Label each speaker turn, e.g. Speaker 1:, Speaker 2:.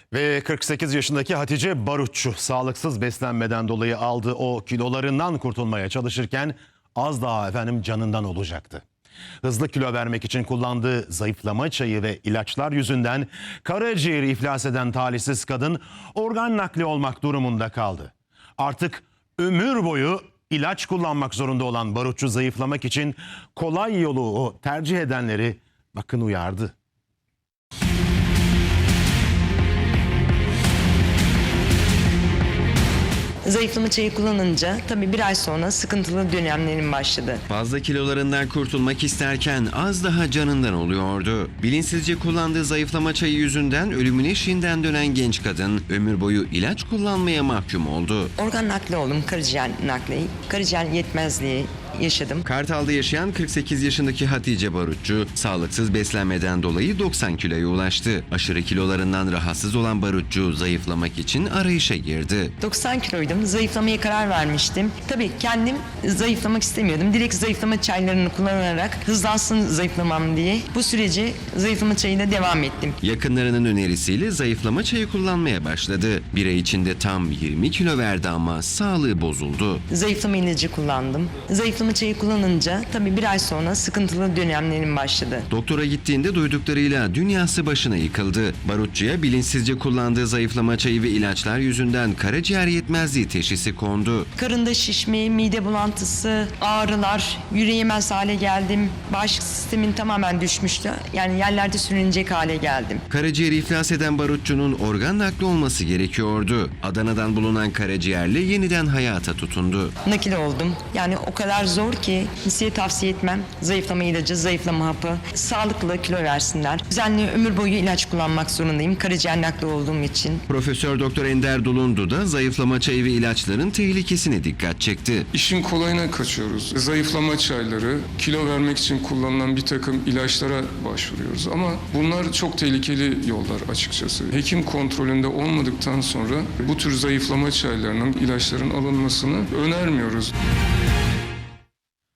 Speaker 1: Ve 48 yaşındaki Hatice Barutçu sağlıksız beslenmeden dolayı aldığı o kilolarından kurtulmaya çalışırken az daha canından olacaktı. Hızlı kilo vermek için kullandığı zayıflama çayı ve ilaçlar yüzünden karaciğeri iflas eden talihsiz kadın organ nakli olmak durumunda kaldı. Artık ömür boyu ilaç kullanmak zorunda olan Barutçu zayıflamak için kolay yolu tercih edenleri bakın uyardı.
Speaker 2: Zayıflama çayı kullanınca tabii bir ay sonra sıkıntılı dönemlerim başladı.
Speaker 3: Fazla kilolarından kurtulmak isterken az daha canından oluyordu. Bilinçsizce kullandığı zayıflama çayı yüzünden ölümün eşiğinden dönen genç kadın ömür boyu ilaç kullanmaya mahkum oldu.
Speaker 2: Organ nakli oldum, karaciğer nakli, karaciğer yetmezliği yaşadım.
Speaker 3: Kartal'da yaşayan 48 yaşındaki Hatice Barutçu sağlıksız beslenmeden dolayı 90 kiloya ulaştı. Aşırı kilolarından rahatsız olan Barutçu zayıflamak için arayışa girdi.
Speaker 2: 90 kiloydum, zayıflamaya karar vermiştim. Tabii kendim zayıflamak istemiyordum. Direkt zayıflama çaylarını kullanarak hızlansın zayıflamam diye bu süreci zayıflama çayıyla devam ettim.
Speaker 3: Yakınlarının önerisiyle zayıflama çayı kullanmaya başladı. Bir ay içinde tam 20 kilo verdi ama sağlığı bozuldu.
Speaker 2: Zayıflama ilacı kullandım. Zayıflama çayı kullanınca tabii bir ay sonra sıkıntılı dönemlerim başladı.
Speaker 3: Doktora gittiğinde duyduklarıyla dünyası başına yıkıldı. Barutçu'ya bilinçsizce kullandığı zayıflama çayı ve ilaçlar yüzünden karaciğer yetmezliği teşhisi kondu.
Speaker 2: Karında şişme, mide bulantısı, ağrılar, yürüyemez hale geldim. Bağışıklık sistemin tamamen düşmüştü. Yani yerlerde sürünecek hale geldim.
Speaker 3: Karaciğeri iflas eden Barutçu'nun organ nakli olması gerekiyordu. Adana'dan bulunan karaciğerle yeniden hayata tutundu.
Speaker 2: Nakil oldum. Yani o kadar zor ki kimseye tavsiye etmem. Zayıflama ilacı, zayıflama hapı, sağlıklı kilo versinler. Düzenli ömür boyu ilaç kullanmak zorundayım. Karaciğer nakli olduğum için.
Speaker 3: Profesör Doktor Ender Dulundu da zayıflama çayı ve ilaçların tehlikesine dikkat çekti.
Speaker 4: İşin kolayına kaçıyoruz. Zayıflama çayları, kilo vermek için kullanılan bir takım ilaçlara başvuruyoruz. Ama bunlar çok tehlikeli yollar açıkçası. Hekim kontrolünde olmadıktan sonra bu tür zayıflama çaylarının, ilaçların alınmasını önermiyoruz.